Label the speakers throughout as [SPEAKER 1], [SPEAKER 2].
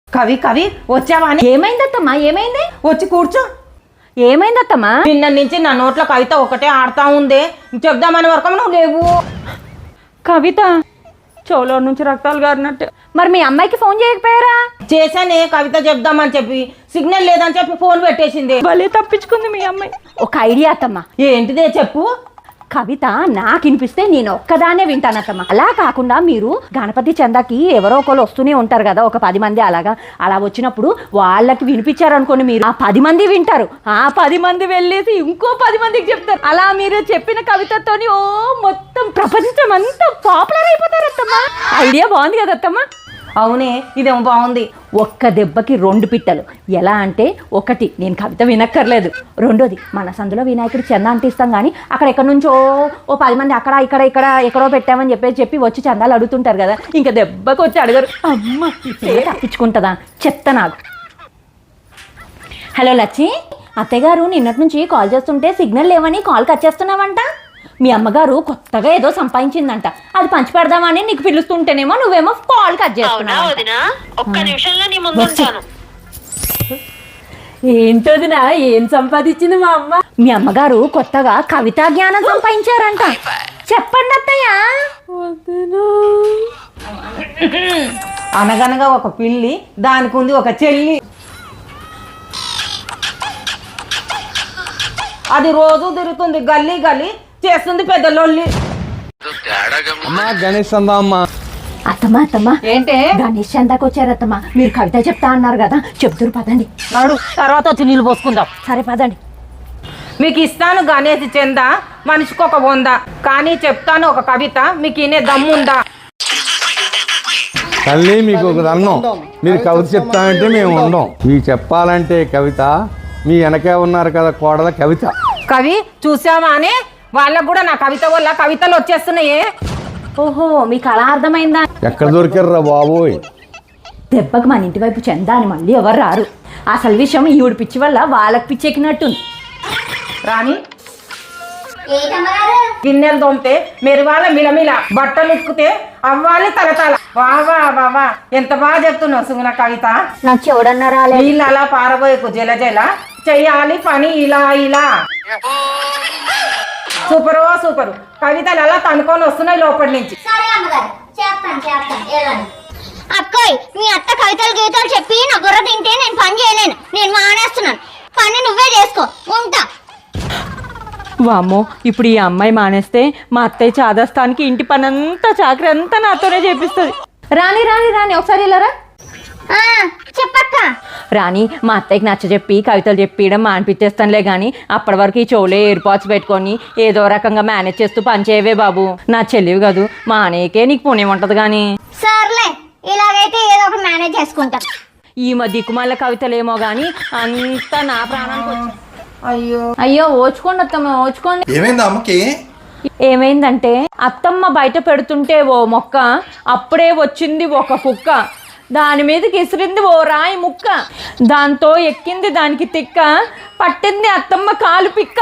[SPEAKER 1] కవి కవి వచ్చావా?
[SPEAKER 2] ఏమైందత్తమ్మా? ఏమైంది?
[SPEAKER 1] వచ్చి కూర్చో.
[SPEAKER 2] ఏమైందత్తమ్మా?
[SPEAKER 1] నిన్న నుంచి నా నోట్లో కవిత ఒకటే ఆడుతా ఉందే, చెప్దామని వరకు నువ్వు లేవు.
[SPEAKER 2] కవిత చెవులో నుంచి రక్తాలు గారినట్టు. మరి మీ అమ్మాయికి ఫోన్ చేయకపోయారా?
[SPEAKER 1] చేశానే, కవిత చెప్దామని చెప్పి సిగ్నల్ లేదని చెప్పి ఫోన్ పెట్టేసింది.
[SPEAKER 2] భలే తప్పించుకుంది మీ అమ్మాయి. ఒక ఐడియా అత్తమ్మా.
[SPEAKER 1] ఏంటిదే చెప్పు.
[SPEAKER 2] కవిత నాకు వినిపిస్తే నేను ఒక్కదానే వింటానత్తమ్మా. అలా కాకుండా మీరు గణపతి చందాకి ఎవరో ఒకరు వస్తూనే ఉంటారు కదా, ఒక 10 మంది అలా వచ్చినప్పుడు వాళ్ళకి వినిపించారనుకోండి, మీరు ఆ 10 మంది వింటారు. ఆ 10 మంది వెళ్ళేసి ఇంకో 10 మందికి చెప్తారు. అలా మీరు చెప్పిన కవితతోని మొత్తం ప్రపంచం అంతా పాపులర్ అయిపోతారత్తమ్మా. ఐడియా బాగుంది కదా అత్తమ్మా?
[SPEAKER 1] అవునే, ఇదేమో బాగుంది.
[SPEAKER 2] ఒక్క దెబ్బకి 2 పిట్టలు. ఎలా అంటే, ఒకటి నేను కవిత వినక్కర్లేదు, రెండోది మన సందులో వినాయకుడి చందా అంటిస్తాం కానీ అక్కడ ఎక్కడి నుంచో 10 మంది అక్కడ ఇక్కడ ఎక్కడో పెట్టామని చెప్పి వచ్చి చందాలు అడుగుతుంటారు కదా, ఇంకా దెబ్బకి వచ్చి అడగరు. అమ్మ తప్పించుకుంటుందా చెత్త నాకు. హలో లచ్చి, అత్తయ్య గారు నిన్నటి నుంచి కాల్ చేస్తుంటే సిగ్నల్ లేవని కాల్ కట్ చేస్తున్నావంట. మీ అమ్మగారు కొత్తగా ఏదో సంపాదించిందంట, అది పంచి పెడదామని నీకు పిలుస్తుంటేనేమో నువ్వేమో కాల్ కట్ చేస్తున్నావు. ఏంటోదినా, ఏం సంపాదించింది మా అమ్మ? మీ అమ్మగారు కొత్తగా కవితా జ్ఞానం సంపాదించారంట. చెప్పండి అత్తయ్య.
[SPEAKER 1] అనగనగా ఒక పిల్లి, దానికి ఉంది ఒక చెల్లి. అది రోజు తిరుగుతుంది, గల్లీ గల్లీ చేస్తుంది పెద్ద లొల్లి.
[SPEAKER 3] గణేష్ చందా అమ్మా.
[SPEAKER 2] అత్తమ్మా
[SPEAKER 1] ఏంటే?
[SPEAKER 2] గణేష్ చందాకి వచ్చారు అత్తమ్మా. మీరు కవిత చెప్తా అన్నారు కదా, చెప్తురు పదండి.
[SPEAKER 1] నాడు తర్వాత వచ్చి నీళ్ళు పోసుకుందాం.
[SPEAKER 2] సరే పదండి.
[SPEAKER 1] మీకు ఇస్తాను గణేష్ చందా, మనిషికి ఒక 100, కానీ చెప్తాను ఒక కవిత, మీకు ఇనే దమ్ముందా?
[SPEAKER 3] తల్లి మీకు ఒక దండం, మీరు కవిత చెప్తానంటే మేము ఉండం. మీకు చెప్పాలంటే కవిత, మీ వెనకే ఉన్నారు కదా కోడల కవిత.
[SPEAKER 1] కవి చూసావా అని వాళ్ళకు కూడా నా కవిత వల్ల కవితలు వచ్చేస్తున్నాయే.
[SPEAKER 2] ఓహో, మీకు అలా అర్థమైందా?
[SPEAKER 3] ఎక్కడ దొరికారురా బాబోయ్.
[SPEAKER 2] దెబ్బకి మన ఇంటి వైపు చందా అని మళ్ళీ ఎవరు రారు. అసలు విషయం ఈవిడ పిచ్చి వల్ల వాళ్ళకి పిచ్చెక్కినట్టుంది.
[SPEAKER 1] రాని గిన్నెలు తోమితే మెరువాల మిలమిల, బట్టలు ఉక్కితే అవ్వాలి తలతల. వా ఎంత బాగా చెప్తున్నావు సుగుణ కవిత.
[SPEAKER 2] నాకు చెవుడన్నా
[SPEAKER 1] నీళ్ళు అలా పారబోయకు, జల జల చెయ్యాలి పని ఇలా ఇలా. సూపరు కవితలు అలా తనుకొని వస్తున్నాయి లోపలి నుంచి.
[SPEAKER 4] అక్కోయ్, మీ అత్త కవితలు గీతలు చెప్పి నా గుర్ర తింటే నేను పని చేయలేను. నేను మానేస్తున్నాను. పని నువ్వే చేసుకో, ఉంటా.
[SPEAKER 2] వామ్మో, ఇప్పుడు ఈ అమ్మాయి మానేస్తే మా అత్తయ్య చాదస్తానికి ఇంటి పనంతా చాకరీ అంతా నాతోనే చేపిస్తుంది. రాని ఒకసారి వెళ్ళరా.
[SPEAKER 4] చెప్పక్క.
[SPEAKER 2] రాని, మా అత్తయ్యకి నచ్చ చెప్పి కవితలు చెప్పియడం మానిపించేస్తానులే కానీ అప్పటి వరకు ఈ చెవులే ఎయిర్పాడ్స్ పెట్టుకొని ఏదో రకంగా మేనేజ్ చేస్తూ పనిచేయవే బాబు. నా చెల్లివి కాదు, మా అనేకే నీకు పుణ్యం ఉంటది. కానీ
[SPEAKER 4] సర్లే, ఇలాగైతే ఏదో ఒకటి మేనేజ్ చేసుకుంటా.
[SPEAKER 2] ఈ దిక్కుమాల కవితలేమో గాని అంతా నా ప్రాణానికి వచ్చి.
[SPEAKER 1] అయ్యో
[SPEAKER 2] ఓచుకోండి అత్తమ్మ, ఓచుకోండి.
[SPEAKER 5] ఏమైంది అమ్మకి?
[SPEAKER 2] ఏమైందంటే, అత్తమ్మ బయట పెడుతుంటే ఓ మొక్క, అప్పుడే వచ్చింది ఒక కుక్క, దాని మీదకి ఇసిరింది ఓ రాయి ముక్క, దాంతో ఎక్కింది దానికి తిక్క, పట్టింది అత్తమ్మ కాలు పిక్క.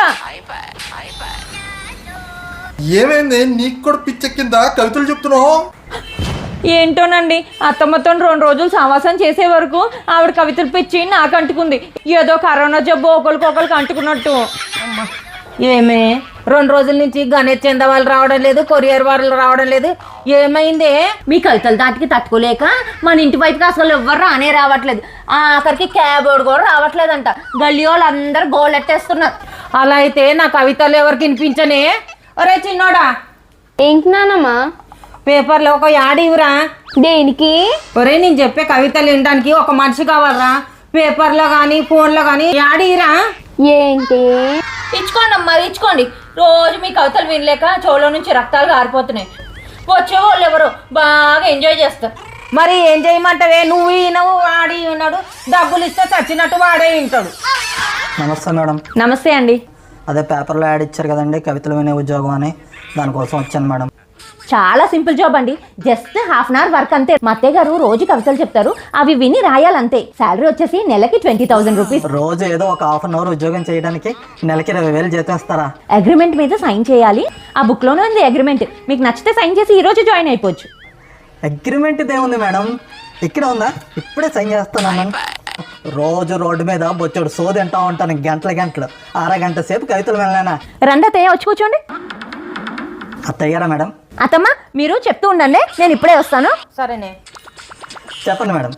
[SPEAKER 5] ఏమైంది? నీకు కూడా పిచ్చెక్కిందా కవితలు చెప్తున్నావు?
[SPEAKER 2] ఏంటోనండి, అత్తమ్మతో 2 రోజులు సావాసం చేసే వరకు ఆవిడ కవితలు పిచ్చి నాకు అంటుకుంది. ఏదో కరోనా జబ్బు ఒకరికొకరికి అంటుకున్నట్టు.
[SPEAKER 1] ఏమే 2 రోజుల నుంచి గణేష్ చంద వాళ్ళు రావడం లేదు, కొరియర్ వాళ్ళు రావడం లేదు, ఏమైందే?
[SPEAKER 2] మీ కవితల దాటికి తట్టుకోలేక మన ఇంటి వైపుకి అసలు ఎవ్వరు రానే రావట్లేదు. ఆఖరికి క్యాబ్ కూడా రావట్లేదంట. గల్లీ వాళ్ళు అందరు గోలెట్టేస్తున్నారు.
[SPEAKER 1] అలా అయితే నా కవితలు ఎవరికి వినిపించనే? ఒరే చిన్నోడా,
[SPEAKER 4] ఏంటి నానమ్మా?
[SPEAKER 1] పేపర్లో ఒక యాడ్ ఇవ్వరా.
[SPEAKER 4] దేనికి?
[SPEAKER 1] ఒరే, నేను చెప్పే కవితలు వినడానికి ఒక మనిషి కావాలరా. పేపర్లో కానీ ఫోన్లో కానీ యాడ్ ఇవ్వరా.
[SPEAKER 4] ఏంటి?
[SPEAKER 2] ఇచ్చుకోండి అమ్మా, ఇచ్చుకోండి. రోజు మీ కవితలు వినలేక చెవులో నుంచి రక్తాలు కారిపోతున్నాయి. వచ్చే వాళ్ళు ఎవరు బాగా ఎంజాయ్ చేస్తారు.
[SPEAKER 1] మరి ఏం చేయమంటావే? నువ్వు ఈయనవు, వాడి ఉన్నాడు, డబ్బులు ఇస్తే చచ్చినట్టు వాడే వింటాడు.
[SPEAKER 6] నమస్తే మేడం.
[SPEAKER 2] నమస్తే అండి.
[SPEAKER 6] అదే పేపర్లో యాడ్ ఇచ్చారు కదండి, కవితలు వినే ఉద్యోగం అని, దానికోసం వచ్చాను మేడం.
[SPEAKER 2] చాలా సింపుల్ జాబ్ అండి, జస్ట్ ½ అవర్ వర్క్ అంతే. మా అత్తయ్య గారు రోజు కవితలు చెప్తారు, అవి విని రాయాలంతే. శాలరీ వచ్చేసి నెలకి 20,000 రూపీస్.
[SPEAKER 6] రోజు ఏదో ఒక ½ అవర్ ఉద్యోగం చేయడానికి నెలకి 20,000 జీతం ఇస్తారా?
[SPEAKER 2] అగ్రిమెంట్ మీద సైన్ చేయాలి. ఆ బుక్లోనే ఉంది అగ్రిమెంట్. మీకు నచ్చితే సైన్ చేసి ఈ రోజు జాయిన్ అయిపోవచ్చు.
[SPEAKER 6] అగ్రిమెంట్ ఏముంది మేడం? ఇక్కడే ఉందా? ఇప్పుడే సైన్ చేస్తాను. రోజు రోడ్డు మీద బొచ్చాడు సోది తింటా ఉంటాను గంటలు. అరగంట సేపు కవితలు వెళ్ళానా?
[SPEAKER 2] రండి అత్తయ్య, వచ్చి కూర్చోండి.
[SPEAKER 6] అత్తయ్యారా మేడం?
[SPEAKER 2] అత్తమ్మ మీరు చెప్తూ ఉండండి, నేను ఇప్పుడే వస్తాను.
[SPEAKER 1] సరేనే.
[SPEAKER 6] చెప్పండి మేడం.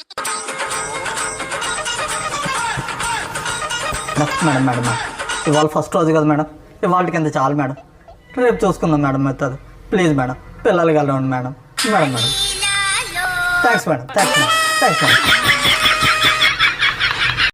[SPEAKER 6] మేడం మేడం మేడం ఇవాళ ఫస్ట్ రోజు కదా మేడం, ఇవాళ కింద చాలు మేడం, రేపు చూసుకుందాం మేడం. మెత్తది ప్లీజ్ మేడం, పిల్లలు కలవండి మేడం. Madam thanks madam.